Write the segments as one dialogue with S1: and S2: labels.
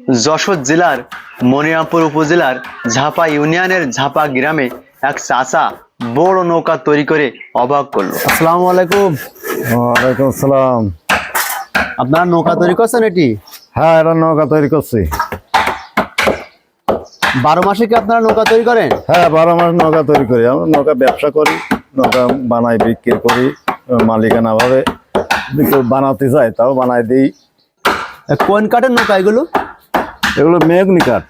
S1: যশোর জেলার মনিরামপুর উপজেলার ঝাপা ইউনিয়নের ঝাপা গ্রামে এক চাচা বড় নৌকা তৈরি করে অবাক করলো। আসসালামু আলাইকুম।
S2: ওয়ালাইকুম আসসালাম।
S1: আপনারা নৌকা তৈরি করছেন? এটি
S2: হ্যাঁ, এটা নৌকা তৈরি করছি।
S1: 12 মাসে কি আপনারা নৌকা তৈরি করেন?
S2: হ্যাঁ, 12 মাস নৌকা তৈরি করি। আমরা নৌকা ব্যবসা করি, নৌকা বানাই বিক্রি করি। মালিকানা ভাবে কেউ বানাতে চায় তাও বানাই দিই।
S1: কোন কাঠের নৌকা এগুলো?
S2: এগুলো মেঘনি কাঠ।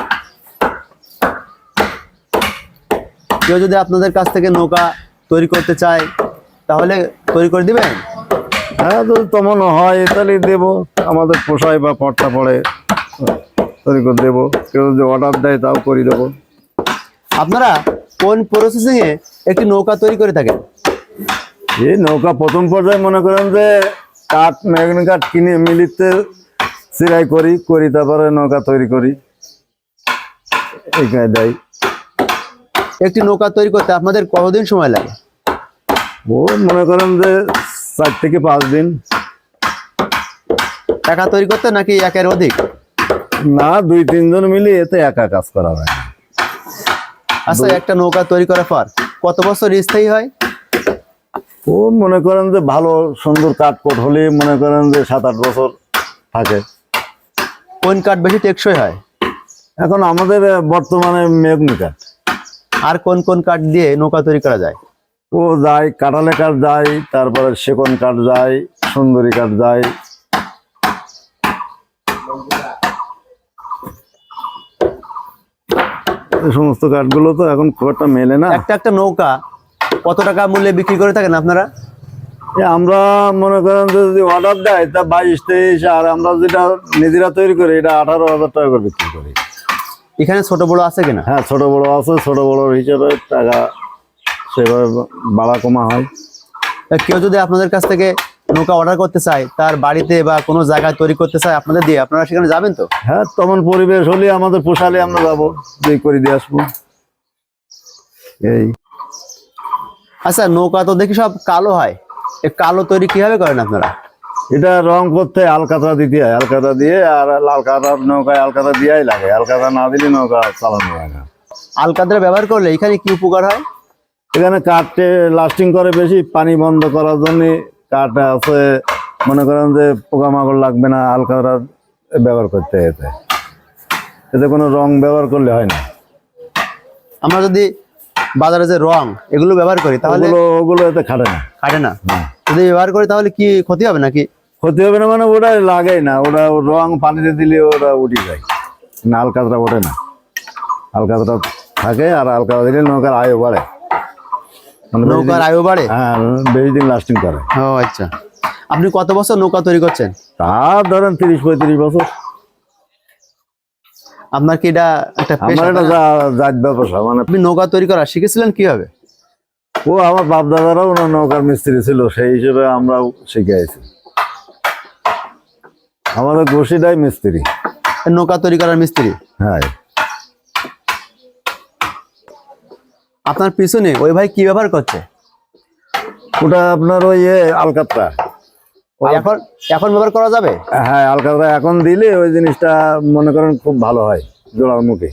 S1: কেউ যদি আপনাদের কাছ থেকে নৌকা তৈরি করতে চায় তাহলে তৈরি করে দিবেন?
S2: হ্যাঁ, যদি তেমন হয় তাহলে দেবো। আমাদের পোষায় বা পট্টা পড়ে তৈরি করে দেবো। কেউ যদি অর্ডার দেয় তাও করে দেবো।
S1: আপনারা কোন প্রসেসিং এ একটি নৌকা তৈরি করে থাকেন?
S2: এই নৌকা প্রথম পর্যায়ে মনে করেন যে কাঠ, মেঘনি কাঠ কিনে মিলিতে সিরাই করি তারপরে নৌকা তৈরি করি। এই কায়দায়।
S1: একটি নৌকা তৈরি করতে আপনাদের কতদিন সময় লাগে?
S2: ও মনে করেন যে 4 থেকে 5 দিন।
S1: একা তৈরি করতে নাকি একের অধিক?
S2: না, 2-3 জন মিলে এতে একা কাজ করা হয় না।
S1: আচ্ছা, একটা নৌকা তৈরি করার পর কত বছর স্থায়ী হয়?
S2: ও মনে করেন যে ভালো সুন্দর কাঠকোট হলে মনে করেন যে 7-8 বছর থাকে।
S1: কোন কাঠ বেশি টেকসই হয়?
S2: এখন আমাদের বর্তমানে মেঘনি কাঠ।
S1: আর কোন কোন কাঠ দিয়ে নৌকা তৈরি করা যায়?
S2: ও যায়, কাঁঠালে কাঠ যায়, তারপরে সেগুন কাঠ যায়, সুন্দরী কাঠ যায়। এই সমস্ত কাঠগুলো তো এখন খুব একটা মেলে না।
S1: একটা নৌকা কত টাকা মূল্যে বিক্রি করে থাকেন আপনারা?
S2: আমরা মনে করেন যে যদি অর্ডার দেয় তা 22-23, আর আমরা যেটা নিজেরা তৈরি করি এটা 18,000 টাকা করে বিক্রি করি।
S1: এখানে ছোট বড় আছে কিনা?
S2: হ্যাঁ, ছোট বড় আছে। ছোট বড় হিসেবে টাকা সেভাবে বাড়া কমা হয়।
S1: কেউ যদি আপনাদের কাছ থেকে নৌকা অর্ডার করতে চায়, তার বাড়িতে বা কোনো জায়গায় তৈরি করতে চায় আপনাদের দিয়ে, আপনারা সেখানে যাবেন তো?
S2: হ্যাঁ, তেমন পরিবেশ হলে আমাদের পোষালে আমরা যাবো, দিয়ে করে দিয়ে আসবো। এই
S1: আচ্ছা, নৌকা তো দেখি সব কালো হয়, এই কালো তৈরি কিভাবে করেন আপনারা?
S2: এটা রং করতে আলকাতরা দিতে হয়। আলকাতরা দিয়ে, আর লাল কাতার নৌকায় আলকাতরা দিয়াই লাগে। আলকাতরা না দিলে নৌকা চালানো হয় না।
S1: আলকাতরা ব্যবহার করলে এখানে কি উপকার হয়?
S2: এখানে কাঠে লাস্টিং করে বেশি, পানি বন্ধ করার জন্য কাঠ আছে। মনে করেন যে পোকামাকড় লাগবে না আলকাতরা ব্যবহার করতে। এতে কোনো রং ব্যবহার করলে হয় না।
S1: আমরা যদি বাজারে যে রং এগুলো ব্যবহার করি তাহলে
S2: ওগুলো এতে খাটে না।
S1: খাটে না? যদি ব্যবহার করি তাহলে কি ক্ষতি হবে নাকি?
S2: ক্ষতি হবে না মানে ওটা লাগেই না। ওটা রং পানিতে দিলে ওটা উঠে যায় না, আলকাতরা ওঠে না। আলকাতরা থাকে, আর আলকাতরা দিলে নৌকার আয়ু বাড়ে।
S1: নৌকার আয়ু বাড়ে?
S2: হ্যাঁ, বেশি দিন লাস্টিং করে।
S1: ও আচ্ছা। আপনি কত বছর নৌকা তৈরি করছেন?
S2: তা ধরেন 30-35 বছর।
S1: আপনার কি এটা একটা পেশা?
S2: আমার এটা জাত ব্যবসা। মানে
S1: আপনি নৌকা তৈরি করা শিখেছিলেন কিভাবে?
S2: ও আমার বাপ দাদারাও নৌকার মিস্ত্রি ছিল, সেই হিসেবে আমরাও শিখে আছি। আমাদের গোষ্ঠীটাই মিস্ত্রি।
S1: নৌকা তৈরি করার মিস্ত্রি?
S2: হ্যাঁ।
S1: আপনার পিছনে ওই ভাই কি ব্যবহার করছে?
S2: ওটা আপনার ওই আলকাতরা।
S1: এখন এখন ব্যবহার করা যাবে?
S2: হ্যাঁ, আলকাতরা এখন দিলে ওই জিনিসটা মনে করেন খুব ভালো হয়, জোড়ার মুখে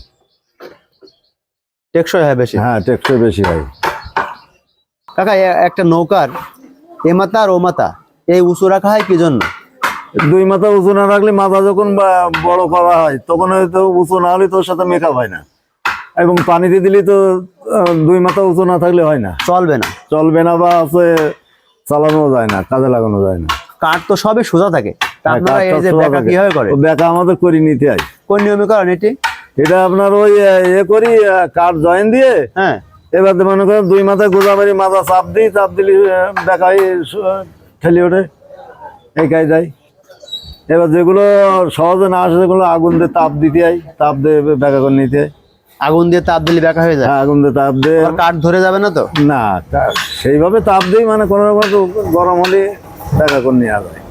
S1: টেকসই হয় বেশি।
S2: হ্যাঁ, টেকসই বেশি হয়।
S1: কাকা, একটা নৌকার এ মাথা আর ও মাথা এই উঁচু রাখা হয় কি জন্য?
S2: 2 মাথা উঁচু না রাখলে মাথা যখন বড় করা হয় তখন হয়তো উঁচু না হলে তোর সাথে মেকআপ হয় না। এবং পানিতে দিলে তো 2 মাথা উঁচু না থাকলে হয় না,
S1: চলবে না।
S2: চলবে না, বা আছে চালানো যায় না, কাজে লাগানো যায় না।
S1: কাঠ তো সবই সোজা থাকে, আপনারা এই যে বেঁকা কিভাবে করে?
S2: বেঁকা আমাদের করে নিতে হয়।
S1: কোন নিয়মে করেন এটি?
S2: এটা আপনার ওই করি, কাঠ জয়েন দিয়ে।
S1: হ্যাঁ,
S2: এবার মনে করেন 2 মাথায় গোজা মারি, মাথা চাপ দিই, চাপ দিলে বেঁকাই ঠেলি ওঠে। এই কায়দায়। এবার যেগুলো সহজে না আসে সেগুলো আগুন দিয়ে তাপ দিতে হয়, তাপ দিয়ে বেঁকা করে নিতে হয়।
S1: আগুন দিয়ে তাপ দিলে বেঁকা হয়ে যায়?
S2: হ্যাঁ, আগুন দিয়ে তাপ দিয়ে।
S1: কাঠ ধরে যাবে না তো?
S2: না, সেইভাবে তাপ দিই, মানে কোনো রকম গরম হলে বেঁকা করে নেওয়া যায়।